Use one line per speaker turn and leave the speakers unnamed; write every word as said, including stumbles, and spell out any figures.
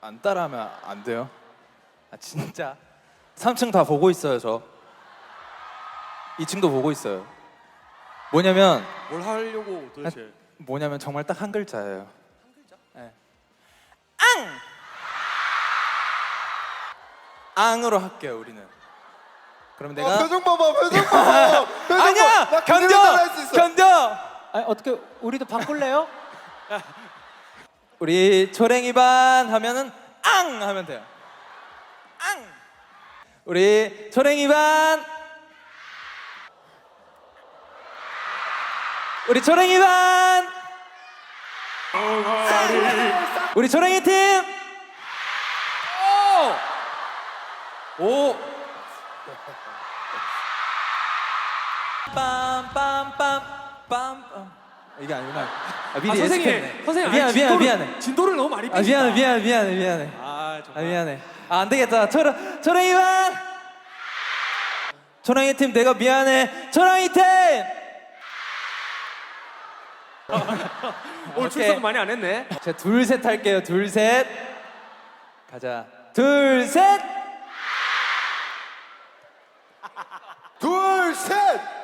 안 따라하면 안 돼요. 아 진짜 삼 층 다 보고 있어요. 저 이 층도 보고 있어요. 뭐냐면
뭘 하려고 도대체?
뭐냐면 정말 딱 한 글자예요.
한 글자?
네. 앙! 앙으로 할게요 우리는. 그럼 내가
아, 표정 봐봐, 표정 봐봐. 표정
아니야!
봐. 나
견뎌!
그대로 할수 있어.
견뎌!
아니, 어떻게 우리도 바꿀래요?
우리 초랭이 반 하면은 앙! 하면 돼요. 앙! 우리 초랭이 반 우리 초랭이 반 우리 초랭이 팀 오! 오! 빰빰빰 빰빰 이게 아니구나. 아, 미리
아, 선생님,
예측했네.
선생님,
미안
아니,
미안
진도를,
미안해.
진도를 너무 많이
아
빼신다.
미안해 미안해 미안해 미안해.
아,
아
정말.
미안해. 아 안 되겠다. 초랑 초랑이 반 초랑이 팀 내가 미안해. 초랑이 팀.
오늘 출석 많이 안 했네.
자 둘 셋 할게요. 둘 셋. 가자. 둘 셋.
둘, 셋.